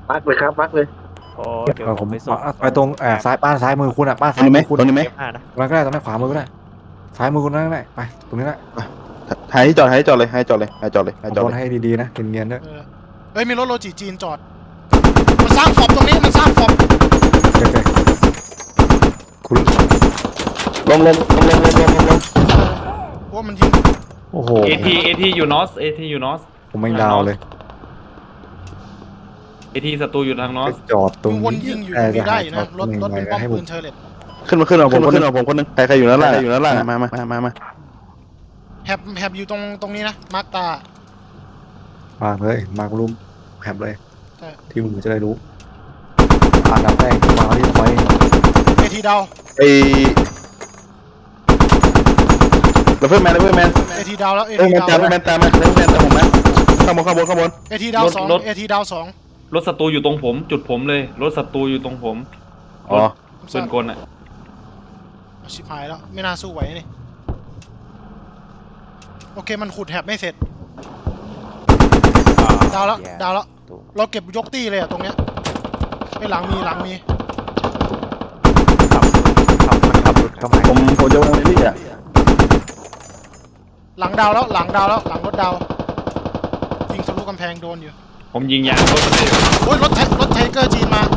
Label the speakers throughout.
Speaker 1: มาร์กเลยครับมาร์กเลย
Speaker 2: โอ้เดี๋ยว
Speaker 3: ผม
Speaker 2: ไปส่ง
Speaker 3: ไปตรงซ้ายบ้านซ้ายมือคุณบ้าน
Speaker 4: ตรงนี้ไหม
Speaker 3: ซ้ายมือคุณ
Speaker 4: ตรงนี้ไหม
Speaker 2: เอฟห้านะ
Speaker 3: ตรงนั้นก็ได้ตรงนั้นขวามือก็ได้ซ้ายมือคุณนั่นก็ได้ไปตรงนี้แหละ
Speaker 4: หายที่จอดหายที่จอดเลยหายจอดเลยหายจอดเลยหายจอด
Speaker 3: บ
Speaker 4: เล
Speaker 3: น
Speaker 4: ย
Speaker 3: ให้ดีๆนะเนียนๆด้วย
Speaker 5: เฮ้ยมีรถโลจิจีนจอดมันสร้างฟอบตรงนี้มันสร้างฟอบ
Speaker 3: โอเคคุณ
Speaker 4: ลง
Speaker 5: ว่ามันยิง
Speaker 3: โอ้โห
Speaker 6: เอทีอยู่นอสเอทีอยู่นอส
Speaker 3: ผมไม่ดาวเลย
Speaker 6: เอทีศัตรูอยู่ทางนอ
Speaker 3: ไป
Speaker 6: ส
Speaker 3: จอดตรง
Speaker 5: วนยิงอยู่ตรงนี้ได้อยู่นะรถเป็นป้อมปืนเชอร์เลต
Speaker 4: ขึ้นเอาผมคนนึงใครอยู่ด้านล่างมา
Speaker 5: แฮบอยู่ตรงนี้นะมาร์กตา
Speaker 3: มาเลยมารุมแฮบเลย
Speaker 5: ใช่
Speaker 3: ที่มึงจะได้รู้ดับแรกมาที่ไฟ
Speaker 5: เอทีดาว
Speaker 4: ไอ้เลเวอร์แมน
Speaker 5: เอทีดาวแล้วเอ
Speaker 4: เล
Speaker 5: ที
Speaker 4: เวอร์แม
Speaker 5: ดาน ว
Speaker 4: ตามมาเลเวอร์แมนตามผมนะข้างบน
Speaker 5: เอทีดาว2เอทีดาว2
Speaker 6: รถศัตรูอยู่ตรงผมจุดผมเลยรถศัตรูอยู่ตรงผม
Speaker 4: อ๋อ
Speaker 6: ปืนกลอ่ะ
Speaker 5: ชิบหายแล้วไม่น่าสู้ไหวนี่โอเคมันขุดแฮบไม่เสร็จดาวแล้วเราเก็บยกตี้เลยอะตรงเนี้ยไม่หลังมี
Speaker 2: ขับมันขับรถเข้ามา
Speaker 4: ผมจะวงในนี่อ่ะ
Speaker 5: หลังดาวแล้วหลังรถดาวยิงทะลุกำแพงโดนอยู่
Speaker 6: ผมยิงยางรถมันเลย
Speaker 5: โอ้ยรถไทเกอร์จีนมา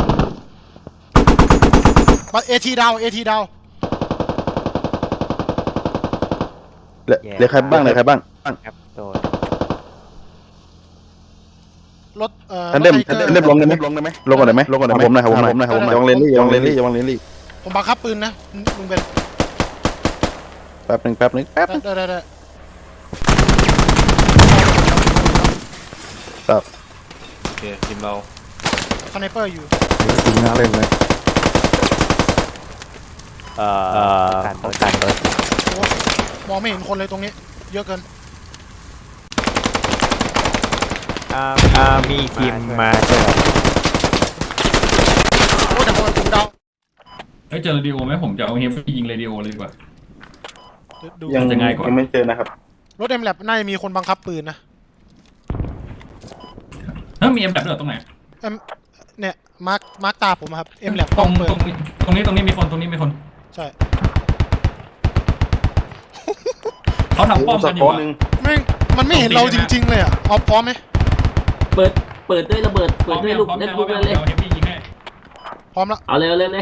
Speaker 5: เอทีดาว
Speaker 4: เหลือใครบ้าง
Speaker 2: ครับโดน
Speaker 5: รถ
Speaker 4: ท่านเล่มลงได้ไหมลงก่อนได้ไหมผมหน่อยระวังเลนลี่
Speaker 5: ผมบังคับปืนนะลุงเบน
Speaker 4: แป๊บนึง
Speaker 5: ได้
Speaker 4: ครับ
Speaker 6: โอเคทีมเรา
Speaker 5: สไนเปอร์อยู่
Speaker 3: จริงน่าเล่นเลย
Speaker 2: การรถ
Speaker 5: โอ้มองไม่เห็นคนเลยตรงนี้เยอะเกิน
Speaker 2: มีทีมมาเจอ
Speaker 5: โอ้แต่ผมดาว
Speaker 7: เฮ้ยเจอเรดิโอไหมผมจะเอาเฮฟวี่ยิงเรดิโอเลยดีกว่า
Speaker 5: ดู
Speaker 4: ยังไม่เจอนะครับ
Speaker 5: รถเอ็มแลบน่าจะมีคนบังคับปืนนะ
Speaker 7: เฮ้ยมีเอ็มแบบด้วยเหรอตรงไหน
Speaker 5: เนี่ยมาร์กตาผมครับเอ็มแลบ
Speaker 7: ตรง
Speaker 5: เปิด
Speaker 7: ตรงนี้มีคน
Speaker 5: ใช่
Speaker 7: เขาทำป้อมกันอยู่อะ
Speaker 5: แม่งมันไม่เห็นเราจริงๆเลยอ่ะเอาพร้อมไหม
Speaker 8: เปิดด้วยระเบิด เปิดด้วยลูก
Speaker 7: พร้อม
Speaker 8: เล่น
Speaker 7: แล้ว
Speaker 8: ลูก
Speaker 7: พร้อม
Speaker 8: เลย
Speaker 7: แล้วเฮฟวี่ยิงให้
Speaker 5: พร้อมแล้ว
Speaker 8: เอาเลย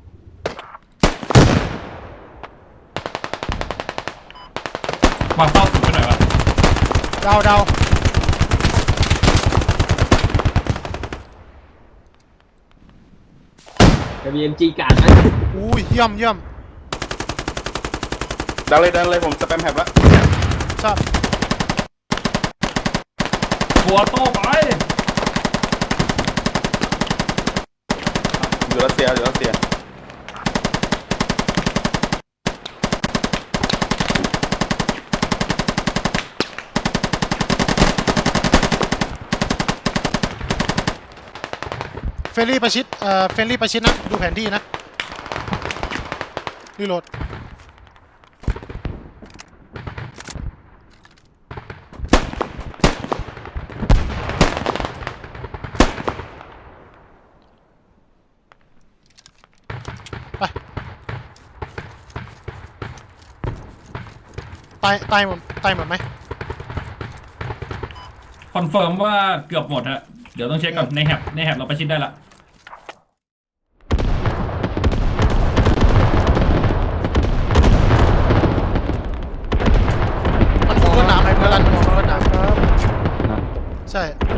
Speaker 7: วางเป้าสุดไปหน่อยวะ
Speaker 5: ดาว
Speaker 8: WMG การ์ดไหม
Speaker 5: อุ้ยเยี่ยม
Speaker 4: ดันเลยผมสแปมแฮปแล้ว
Speaker 5: ทราบ
Speaker 7: หัวโต้ไป
Speaker 4: อยู่รัสเซีย
Speaker 5: เฟรนลี่ประชิดนะดูแผนที่นะรีโหลดไปตายหมดไหม
Speaker 7: คอนเฟิร์มว่าเกือบหมดฮะเดี๋ยวต้องเช็คก่อนในแฮปเราประชิดได้ละ
Speaker 5: มันคงรถหนามเพื่อนมันคงรถหนามใช่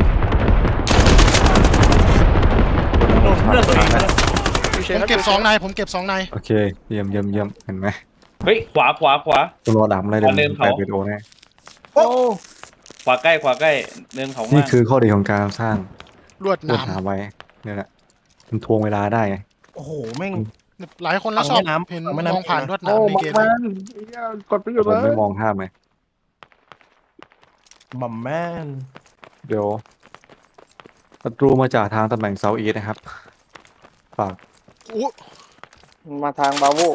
Speaker 5: ผมเก็บ2 นาย
Speaker 3: โอเคเยี่ยมเห็นไหม
Speaker 6: เฮ้ยขวา
Speaker 3: ตัวรอดำอะไรเดี๋ยว
Speaker 6: เดินเขา
Speaker 3: ไปวิดีโอแน่
Speaker 6: ขวาใกล้เนินเขา
Speaker 3: นี่
Speaker 6: มาก
Speaker 3: คือข้อดีของการสร้าง
Speaker 5: ลวดห
Speaker 3: ลวด
Speaker 5: นาม
Speaker 3: หาไว้เนี่ยแหละมันทวงเวลาได้ไง
Speaker 5: โอ้โหแม่งหลายคนแล้วชอบเห็นมองผ่านลวดหนามในเกม
Speaker 3: ผมไม่มองภาพไหม
Speaker 2: บัมแมน
Speaker 3: เดี๋ยวศัตรูมาจากทางตำแหน่งเซาท์อีสต์นะครับฝาก
Speaker 5: อู้
Speaker 1: มาทางบาโว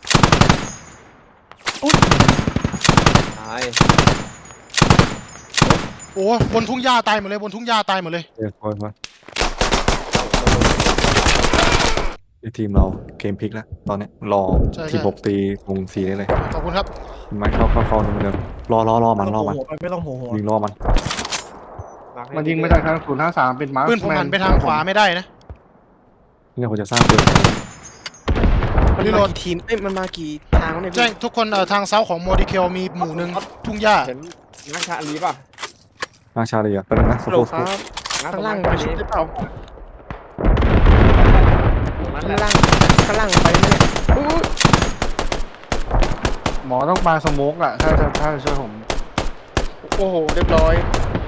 Speaker 2: ตาย
Speaker 5: โอ้บนทุ่งหญ้าตายหมดเลยบนทุ่งหญ้าตายหมดเลย
Speaker 3: เดี๋ยวคอยมาทีมเราเกมพลิกแล้วตอนเนี้ยรอ
Speaker 5: ใช่
Speaker 3: ทีม6ตีวง4ได้เลย
Speaker 5: ขอบคุณครับ
Speaker 3: ไม่เข้าเหมือนเดิมรอมัน
Speaker 1: ไม่ต้องโหหัว
Speaker 3: ยิงรอมัน
Speaker 1: มันยิงมาจากทาง053เป็นมาร์ค
Speaker 5: ปืนผมหันไปทางขวาไม่ได้นะ
Speaker 3: นี่เราจะสร้างเกม
Speaker 5: รีโหลด
Speaker 1: ทีมมันมากี่ทางเนี่ย
Speaker 5: แจ้งทุกคนทางเซาของโมดิเคลมีหมู่หนึ่งทุ่งหญ้า
Speaker 1: เห็นนักชาลีป่ะ
Speaker 3: มาชาลีอ่ะเป็นงนะ
Speaker 1: โหลครับข้างล่างไปชุดได้เปล่าข้างล่างไปเนี่ยหมอต้องปาสโมกอ่ะถ้าจะช่วยผมโอ้โหเรียบร้อย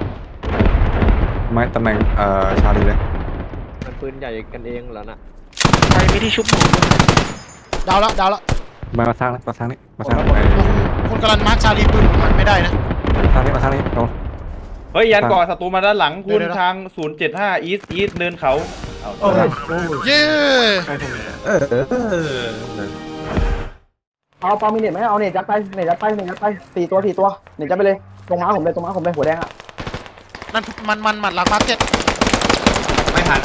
Speaker 3: ไม่ตำแหน่งชาลีเลย
Speaker 1: มันปืนใหญ่กันเองเหรอน่ะใครไม่ที่ชุบหมอ
Speaker 5: ดาวแล้ว
Speaker 3: มาสร้างนี่มาสร้าง
Speaker 5: คุณกำลังมาร์คชาลีปืนผมหันไม่ได้นะ
Speaker 3: มาสร้างนี่โดน
Speaker 6: เฮ้ยยันก่อศัตรูมาด้านหลังคุณ
Speaker 5: เดี๋ยว
Speaker 6: ทาง075อีสเนินเขาเอา
Speaker 5: เย้
Speaker 1: เอาปามีเน็ตไหมเอาเน็ตยัดไป4 ตัวเน็ตยัดไปเลยตรงม้าผมเลยหัวแดงอ่ะ
Speaker 5: นั่นมันหมัดหลังมาร์เก็ต
Speaker 6: ไม่ทัน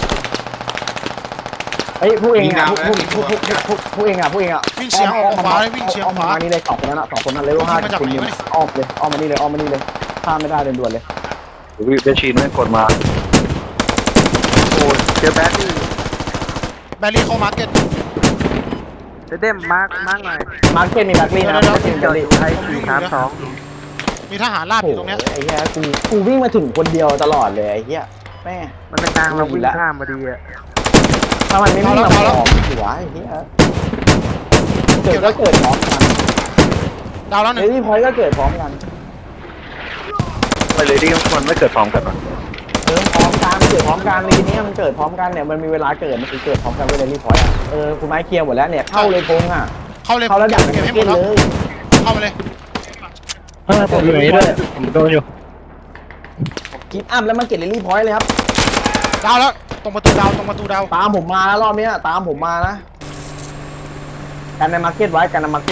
Speaker 1: เฮ้ยผู้เองอ่ะผู้เองอ่ะ
Speaker 5: วิ่งเฉียงออกขวาเลยวิ่งเฉียงขวา
Speaker 1: มานี่เลย2 คนนั้นอ่ะ2 คนนั้นเลยว่า5 คนนี้อ้อมมานี่เลยข้ามไม่ได้ด่วนเลย
Speaker 4: วิเดชีนไม่กดมาโอ้เจอแบดดี้
Speaker 5: แบรี่เข้ามาร์เก็ต
Speaker 1: เด้มมาร์กหน่อยมาร์เก็ตมีแบตลี่นะไม่ใช่แบตลี่ไทย432
Speaker 5: มีทหารราบอยู่ตรงเนี้ย
Speaker 1: ไอ้เหี้ยกูวิ่งมาถึงคนเดียวตลอดเลยไอ้เหี้ยแม่มันเป็นทางเราวิ่งข้ามมาดีอ่ะถ้ามันไม่วิ่งมาพร้อมหัวไอ้เหี้ยเกิดก็เกิดพร้อมกัน
Speaker 5: ดาวแล้วหนึ่ง
Speaker 1: เฮ้ยพอยก็เกิดพร้อมกัน
Speaker 4: ไปเลยที่มันไม่เกิดพร้อมกัน
Speaker 1: พร้อมกันเกิดพร้อมกันในนี้มันเกิดพร้อมกันเนี่ยมันมีเวลาเกิดมันเกิดพร้อมกันเวลารีพอยอ่ะคุณไม้เคลียร์หมดแล้วเนี่ยเข้าเลยพงอ่ะ
Speaker 5: เข้าเลย
Speaker 1: เข้าแล้วดัก
Speaker 5: เก็บให้หม
Speaker 1: เก็
Speaker 5: ด
Speaker 1: บ
Speaker 5: แล้ว
Speaker 1: เลย
Speaker 5: เข้ามาเลย
Speaker 1: ผมอยู่นี่ด้วยผมโดนอยู่กิฟต์อัพแล้วมันเก็บเรลลี่พอยต์เลยครับ
Speaker 5: ดาวแล้วตรงประตูดาว
Speaker 1: ตามผมมาแล้วรอบนี้ตามผมมานะกันในมาร์เก็ตไว้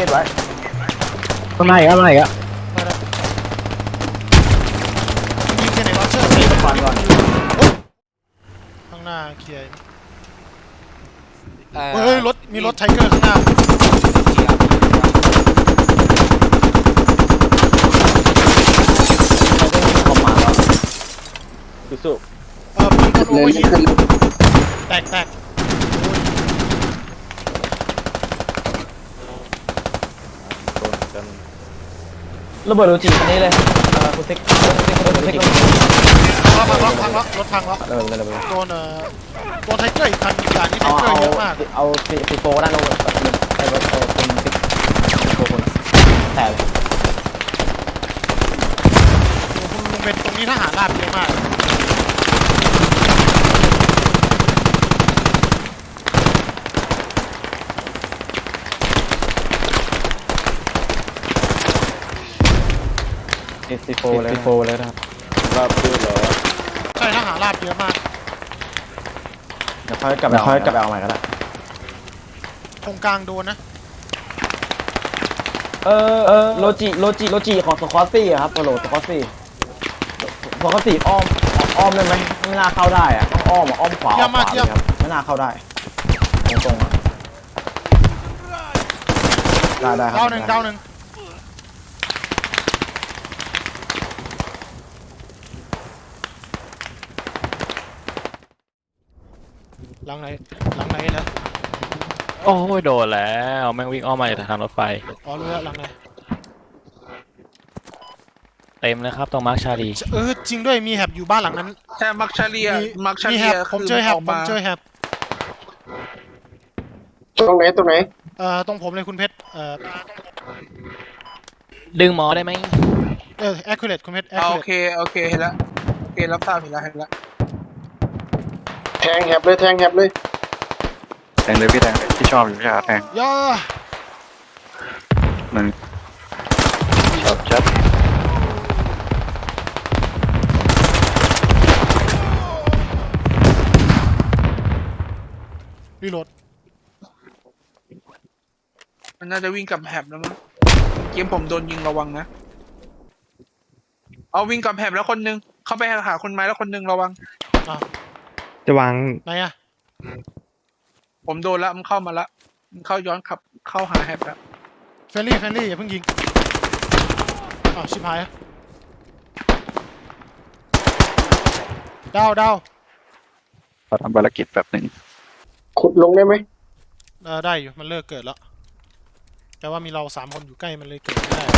Speaker 1: ตรงไหนอ่ะ
Speaker 5: ยิงแค่ไหนวะเชื่อ
Speaker 1: ก่อน
Speaker 5: ข้างหน้าเคลียร์เฮ้ยมีรถไทเกอร์ข้างหน้าปืนคนโอเวอร์ฮีทแตก
Speaker 1: ระเบิดโรจิอันนี้เลยคุณติ๊ก
Speaker 5: พังแล้วรถพังแล้วโดนไทเกอร์อีกคันด่านนี้ไทเกอร์เยอะมาก
Speaker 1: เอาซีโฟด้านโน้นไอ้รถคุณติ๊กตัวคนแต่
Speaker 5: คุณเป็นตรงนี้ทหารราบเยอะมาก
Speaker 1: ซีโฟเลยนะครับ
Speaker 4: ราบด้วยเหรอ
Speaker 5: ใช่ทหารราบเยอะมาก
Speaker 1: เดี๋ยวค่อยกลับไปเอาใหม่ก็ได้
Speaker 5: ตรงกลางโดนนะ
Speaker 1: โลจิของสควอตซี่ครับโหลสควอตซี่อ้อมได้ไหมไม่น่าเข้าได้อะต้องอ้อมขวาครับไม่น่าเข้าได้ตรงๆได้ครับ
Speaker 5: ดาวหนึ่งหลังไหนนะ
Speaker 2: โอ้ยโดนแล้วแม่งวิ่งอ้อมมาจากทางรถไฟ
Speaker 5: อ๋อรู้แล้วหลังไหน
Speaker 2: เต็มเลยครับตรงมาร์คชาลี
Speaker 5: จริงด้วยมีแฮบอยู่บ้านหลังนั้น
Speaker 9: แต่มักชาเลีย
Speaker 5: มีแฮบผมเจอแฮบ
Speaker 1: ตรงไหน
Speaker 5: ตรงผมเลยคุณเพชร
Speaker 2: ดึงหมอได้ไหม
Speaker 5: accurate คุณเพชร
Speaker 9: โอ
Speaker 5: accurate
Speaker 9: เคเห็นแล้วโอเครับทราบเห็นแล้ว
Speaker 1: แทงแฮบเลย
Speaker 4: แทงเลยพี่แทงที่ชอบอยู่ใช่ไหมแทง
Speaker 5: ย่า
Speaker 4: มันชอบจัด
Speaker 5: รีโหลด
Speaker 9: มันน่าจะวิ่งกลับแฮบแล้วมั้งเกมผมโดนยิงระวังนะเอาวิ่งกับแหบแล้วคนนึงเข้าไปหาคนไม้แล้วคนนึงระวัง
Speaker 3: จะวาง
Speaker 5: ไหนอะ
Speaker 9: ผมโดนละมันเข้ามาละมันเข้าย้อนขับเข้าหาแหบแล้ว
Speaker 5: เฟรนลี่อย่าเพิ่งยิงอ้าวชิบหายดาว
Speaker 4: เราทำภารกิจแบบหนึ่ง
Speaker 1: ขุดลงได้ไหม
Speaker 5: ได้อยู่มันเลิกเกิดแล้วแต่ว่ามีเรา3 คนอยู่ใกล้มันเลยเกิดไม่ได้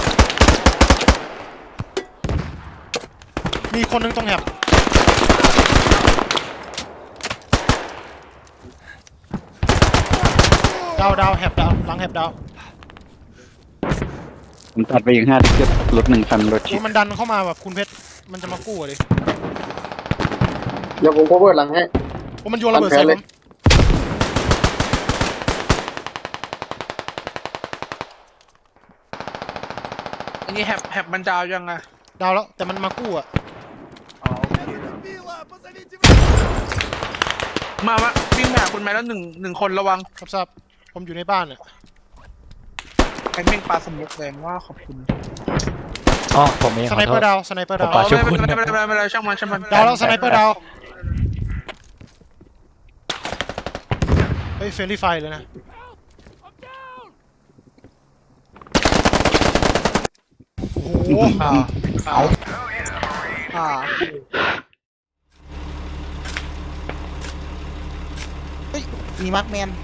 Speaker 5: มีคนนึงตรงแหบดาวแหบดาวหลังแหบดาว
Speaker 4: ผมตัดไปอีก5ที่รถ1 คันรถ
Speaker 5: โอ้มันดันเข้ามาแบบคุณเพชรมันจะมากู้อะดิ
Speaker 1: เดี๋ยวผมcoverหลังให้
Speaker 5: โอ้มันโยนระเบิดใส่ผม
Speaker 9: อันนี้แหบมันดาวยังไง
Speaker 5: ดาวแล้วแต่มันมากู้อะ
Speaker 9: มาวิ่งหาคุณไม้แล้วหนึ่งคนระวัง
Speaker 5: ครับผมอยู่ในบ้านเนี่ย
Speaker 9: แข่งปลาสมุกแรงว่าขอบคุณ
Speaker 2: อ๋อผมเอง
Speaker 5: ส
Speaker 2: ขอ
Speaker 5: ไน
Speaker 2: โท
Speaker 5: เปอ
Speaker 2: ษ
Speaker 5: ร์ดาวสไนเปอร์ดาว
Speaker 2: ขอช่วย
Speaker 9: ไม่
Speaker 2: คุณ
Speaker 9: เป็นไรช่างมัน
Speaker 5: ดาวแล้วสไนเปอร์ดาวเฮ้ยเฟรนลี่ไฟเลยนะโอ้โห
Speaker 1: มีมาร์คแมน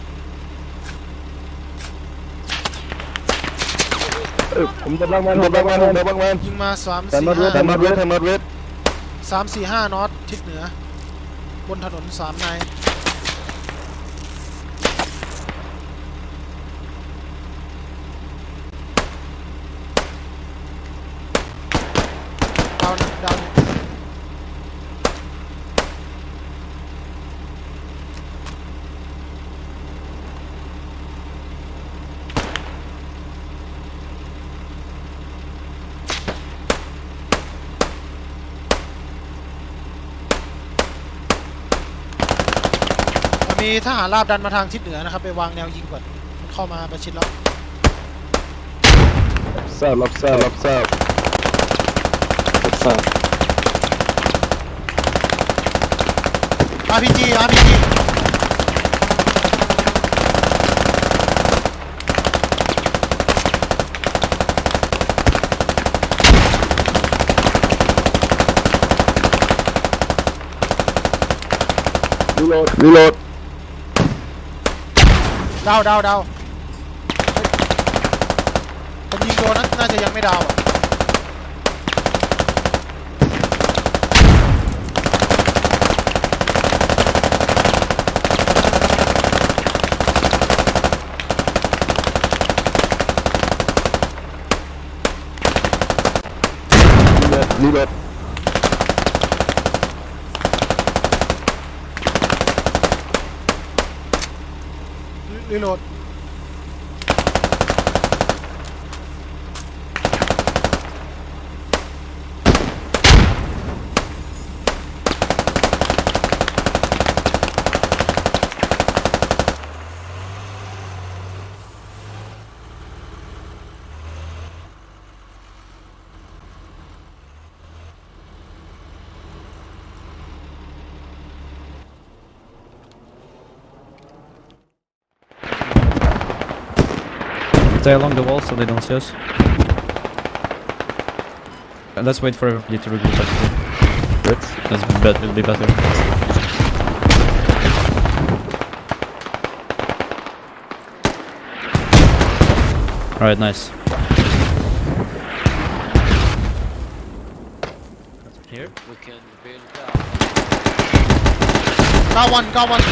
Speaker 4: ผมจะบ้างแมน
Speaker 5: ยิงมา3
Speaker 4: แต่มาเวท
Speaker 5: 4 5 3 4 5น็อตทิศเหนือบนถนน3 นายดาว มีทหารราบดันมาทางทิศเหนือนะครับไปวางแนวยิงก่อนมันเข้ามาประชิดแล้ว
Speaker 4: รับทราบ
Speaker 5: RPG
Speaker 4: รีโหลด
Speaker 5: ดาวผมยิงโดนนะน่าจะยังไม่ดาวอะ
Speaker 4: รีโหลด
Speaker 5: รีโหลด
Speaker 3: Stay along the wall so they don't see us. Let's wait for everybody to regroup actually. That'll be better. Alright, nice.
Speaker 2: Here we can build
Speaker 5: got one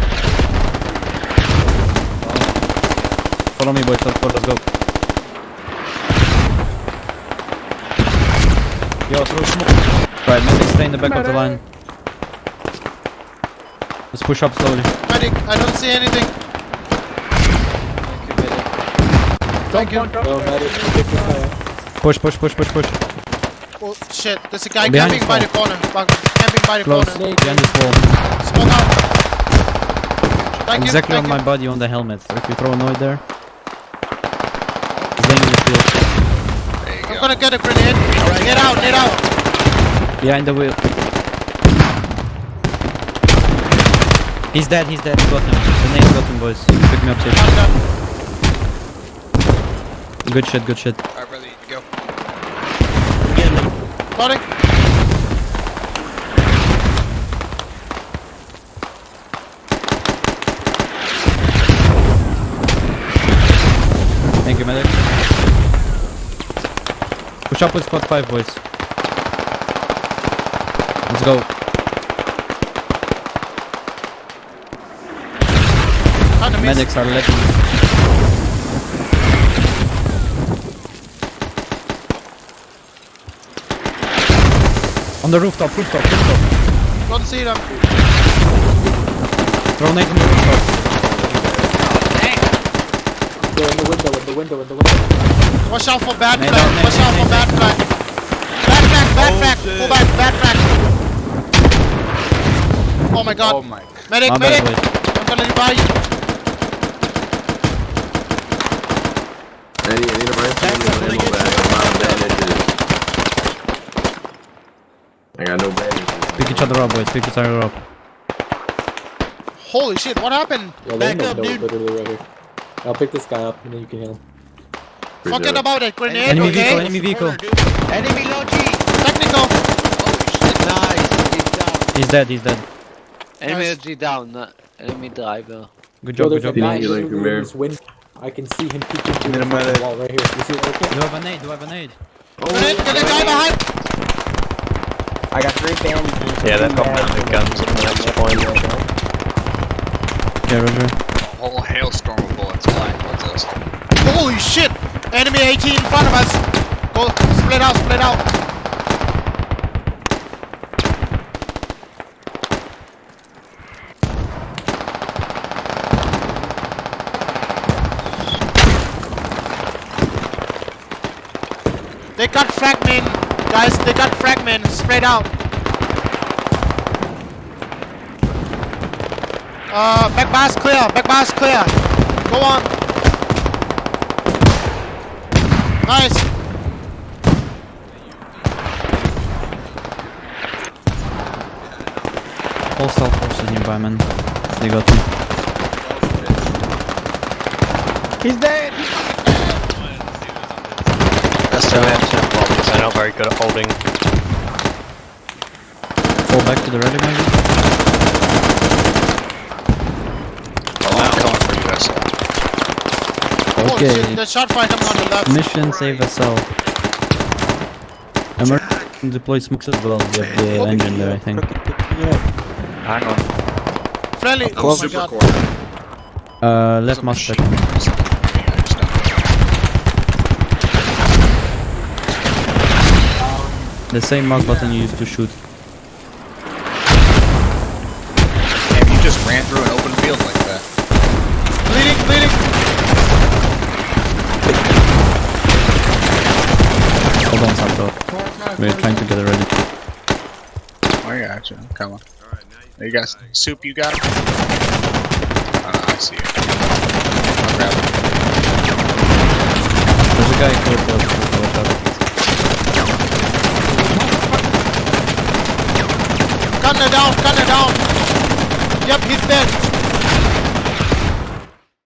Speaker 3: Follow me, boys. Let's go. Yo, throw smoke. Right, maybe stay in the back of the line. Let's push up slowly.
Speaker 5: medic I don't see anything thank you
Speaker 3: Push.
Speaker 5: oh shit there's a guy
Speaker 3: Behind
Speaker 5: camping
Speaker 3: this
Speaker 5: by
Speaker 3: wall.
Speaker 5: the corner camping by the
Speaker 3: Close.
Speaker 5: corner
Speaker 3: Behind this wall.
Speaker 5: smoke out thank
Speaker 3: Exactly
Speaker 5: you
Speaker 3: on my body on the helmet. So if you throw a node there, he's laying in the field.
Speaker 5: I'm gonna get a grenade. Get out, get out.
Speaker 2: Behind the wheel. He's dead, he got him. The name got him, boys. Pick me up safe.
Speaker 5: I'm done.
Speaker 2: Good shit, good shit.
Speaker 9: Alright, brother, go.
Speaker 5: Loading.
Speaker 2: Thank you, medic. Push up with squad 5, boys. Let's go.
Speaker 5: Enemies.
Speaker 2: Medics are letting. On the rooftop.
Speaker 5: Don't see them.
Speaker 2: Throw nade on the rooftop.
Speaker 8: They're in the window.
Speaker 5: Watch out for bad
Speaker 2: Nade
Speaker 5: flag.
Speaker 2: out, nade,
Speaker 5: Watch out for
Speaker 2: nade,
Speaker 5: bad flag. Bad flag. Go back, bad flag. Oh my god. Medic,
Speaker 2: My bad,
Speaker 5: medic.
Speaker 2: boys.
Speaker 5: I'm gonna revive you.
Speaker 2: Pick each other up, boys. Pick each other up.
Speaker 5: Holy shit, what happened?
Speaker 8: Back up, dude. Literally right here. I'll pick this guy up and then you can heal him.
Speaker 5: Forget about it. Grenade,
Speaker 2: Enemy
Speaker 5: okay?
Speaker 2: vehicle.
Speaker 9: Enemy low G.
Speaker 5: Technical.
Speaker 2: He's dead.
Speaker 5: Enemy
Speaker 10: LG down. Enemy driver.
Speaker 2: Good
Speaker 8: Yo,
Speaker 2: job,
Speaker 8: there's
Speaker 2: good
Speaker 8: a
Speaker 2: job.
Speaker 8: guy literally in this window. I can see him peeking through the fucking wall right here. You see it right there?
Speaker 2: Do I have a nade?
Speaker 5: Grenade, get a guy behind.
Speaker 1: I got 3 bandages.
Speaker 2: Yeah, they've got mounted guns at the next point. Yeah, Roger.
Speaker 9: A whole hailstorm of bullets flying towards us.
Speaker 5: Holy shit! Enemy 18 in front of us. Go, split out. They got fragment, guys. They got fragment. Spread out. Back bar's clear. Go on. Nice.
Speaker 2: Hostile forces nearby, man. They got him.
Speaker 1: He's dead.
Speaker 2: I know, very good at holding. Fall back to the ready, maybe?
Speaker 5: Oh
Speaker 2: Okay.
Speaker 5: shit, the shot fight coming on the left.
Speaker 2: Mission save SL. Emergency deploy smokes as well. We have the engine there, I think. Hang on.
Speaker 5: Friendly. Oh my god.
Speaker 2: Left mouse check. The same mouse button you used to shoot.
Speaker 9: Damn, you just ran through an open field like that.
Speaker 5: Bleeding.
Speaker 2: Hold on, Santo. We're trying to get it ready.
Speaker 9: Oh, I got you. Come on. You got soup, you got it? Oh, no, I see it. I'll grab it.
Speaker 2: There's a guy close to us. Watch out.
Speaker 5: Gunner down. Yep, he's dead.